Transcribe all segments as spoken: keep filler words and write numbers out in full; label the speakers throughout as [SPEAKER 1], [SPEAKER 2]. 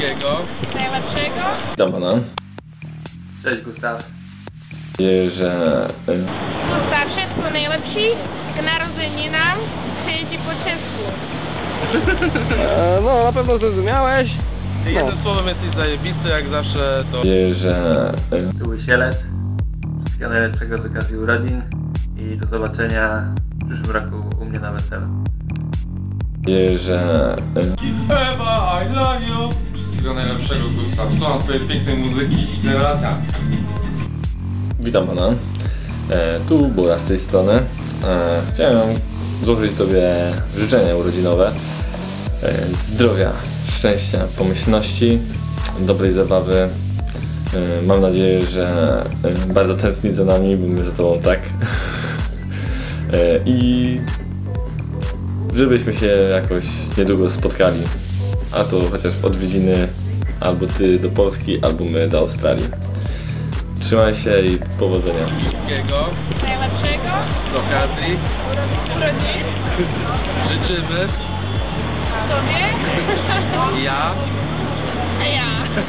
[SPEAKER 1] Wszystkiego
[SPEAKER 2] najlepszego.
[SPEAKER 3] Witam pana.
[SPEAKER 4] Cześć Gustaw.
[SPEAKER 3] Nadzieję, że...
[SPEAKER 2] Gustaw, wszystko najlepsi. K narodzeninam przyjedzie po czesku.
[SPEAKER 5] E, no, na pewno zrozumiałeś.
[SPEAKER 1] no. Jednym słowem jesteś zajebisty jak zawsze, to...
[SPEAKER 3] Nadzieję, że...
[SPEAKER 4] Tu Łysielec. Wszystkiego najlepszego z okazji urodzin i do zobaczenia w przyszłym roku u mnie na weselu.
[SPEAKER 3] Nadzieję, że...
[SPEAKER 1] Ewa, I love you! Wszystkiego najlepszego, Gustaw. Słucham twojej pięknej muzyki i lata.
[SPEAKER 3] Witam pana. E, tu Bura z tej strony. E, chciałem złożyć sobie życzenia urodzinowe. E, zdrowia, szczęścia, pomyślności, dobrej zabawy. E, mam nadzieję, że e, bardzo tęskni za nami, bo my za tobą tak. E, I żebyśmy się jakoś niedługo spotkali. A to chociaż odwiedziny albo ty do Polski, albo my do Australii. Trzymaj się i powodzenia.
[SPEAKER 1] Wszystkiego
[SPEAKER 2] Najlepszego.
[SPEAKER 1] z okazji
[SPEAKER 2] Urodzin.
[SPEAKER 1] życzymy
[SPEAKER 2] Tobie.
[SPEAKER 1] ja
[SPEAKER 2] A ja.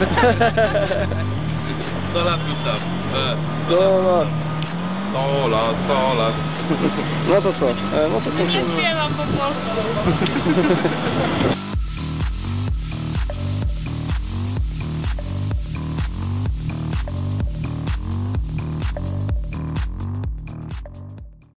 [SPEAKER 1] sto lat, Gustaw. E,
[SPEAKER 5] No, no,
[SPEAKER 1] sto lat, sto lat.
[SPEAKER 5] no to co? E, no to
[SPEAKER 2] Nie
[SPEAKER 5] kończymy.
[SPEAKER 2] śpiewam po polsku.